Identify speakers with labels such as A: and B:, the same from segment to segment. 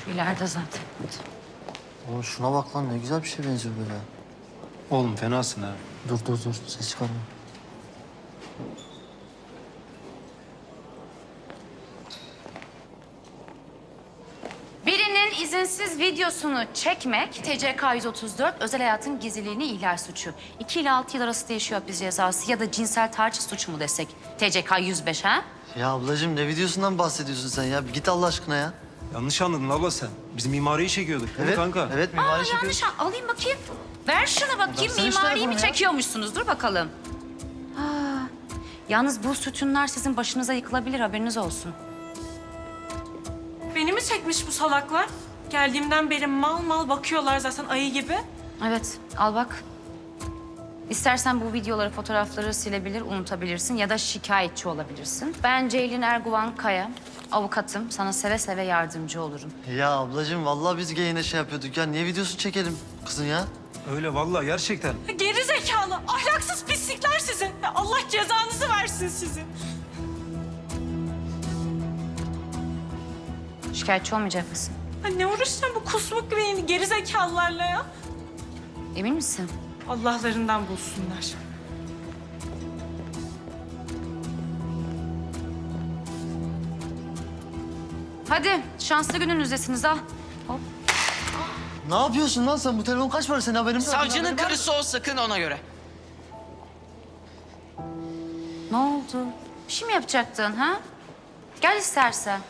A: İleride zaten.
B: Oğlum şuna bak lan, ne güzel bir şey benziyor böyle.
C: Oğlum fenasın ha.
B: Dur ses çıkarma.
A: Birinin izinsiz videosunu çekmek TCK 134 özel hayatın gizliliğini ihlal suçu. 2 ile 6 yıl arası değişiyor hapis cezası ya da cinsel taciz suçu mu desek? TCK 105 ha?
B: Ya ablacığım, ne videosundan bahsediyorsun sen ya? Bir git Allah aşkına ya.
C: Yanlış anladın abla sen. Biz mimariyi çekiyorduk değil mi
B: Evet
C: kanka?
B: Evet, mimari çekiyoruz.
A: Yanlış alayım bakayım. Ver şunu bakayım.
B: Versene işte
A: Mimariyi mi
B: telefonu ya.
A: çekiyormuşsunuz? Dur bakalım. Yalnız bu sütunlar sizin başınıza yıkılabilir, haberiniz olsun.
D: Beni mi çekmiş bu salaklar? Geldiğimden beri mal mal bakıyorlar zaten ayı gibi.
A: Evet, al bak. İstersen bu videoları, fotoğrafları silebilir, unutabilirsin ya da şikayetçi olabilirsin. Ben Ceylin Erguvan Kaya, avukatım. Sana seve seve yardımcı olurum.
B: Ya ablacığım, vallahi biz yine şey yapıyorduk ya. Niye videosunu çekelim kızın ya?
C: Öyle vallahi gerçekten.
D: Geri zekalı, ahlaksız pislikler sizi. Ya Allah cezanızı versin sizin.
A: Şikayetçi olmayacak mısın?
D: Ha, ne uğraşacağım bu kusmuk gibi geri zekalılarla ya?
A: Emin misin?
D: Allah'larından bulsunlar.
A: Hadi, şanslı gününüzdesiniz al. Hop.
B: Ne yapıyorsun lan sen? Bu telefon kaç para, senin haberin mi yok?
E: Savcının karısı o, sakın ona göre.
A: Ne oldu? Bir şey mi yapacaktın ha? Gel istersen.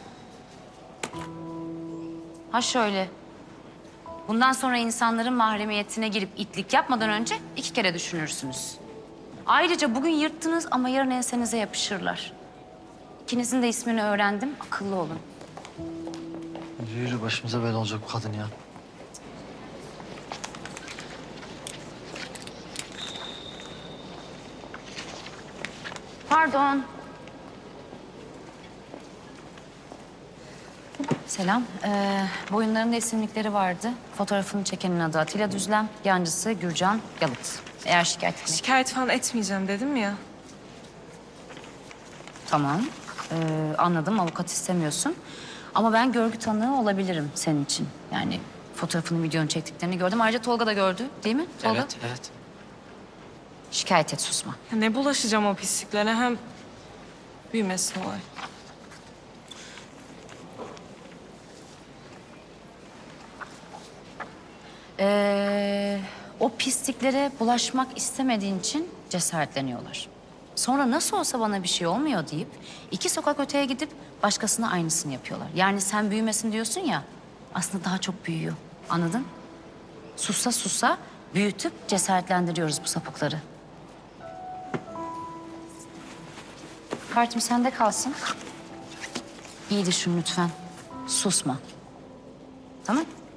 A: Ha şöyle. Bundan sonra insanların mahremiyetine girip itlik yapmadan önce 2 kere düşünürsünüz. Ayrıca bugün yırttınız ama yarın ensenize yapışırlar. İkinizin de ismini öğrendim, akıllı olun.
B: Yürü, başımıza böyle olacak bu kadın ya.
A: Pardon. Selam. Boyunlarında isimlikleri vardı. Fotoğrafını çekenin adı Atilla Düzlem, yancısı Gürcan Yalıt. Eğer şikayet etmek...
D: Şikayet falan etmeyeceğim dedim ya.
A: Tamam. Anladım, avukat istemiyorsun. Ama ben görgü tanığı olabilirim senin için. Yani fotoğrafını, videonu çektiklerini gördüm. Ayrıca Tolga da gördü, değil mi Tolga?
E: Evet.
A: Şikayet et, susma.
D: Ya ne bulaşacağım o pisliklere, hem büyümesin olay.
A: O pisliklere bulaşmak istemediğin için cesaretleniyorlar. Sonra nasıl olsa bana bir şey olmuyor deyip 2 sokak öteye gidip başkasına aynısını yapıyorlar. Yani sen büyümesin diyorsun ya, aslında daha çok büyüyor. Anladın? Sussa sussa büyütüp cesaretlendiriyoruz bu sapıkları. Kartım sende kalsın. İyi düşün lütfen. Susma. Tamam?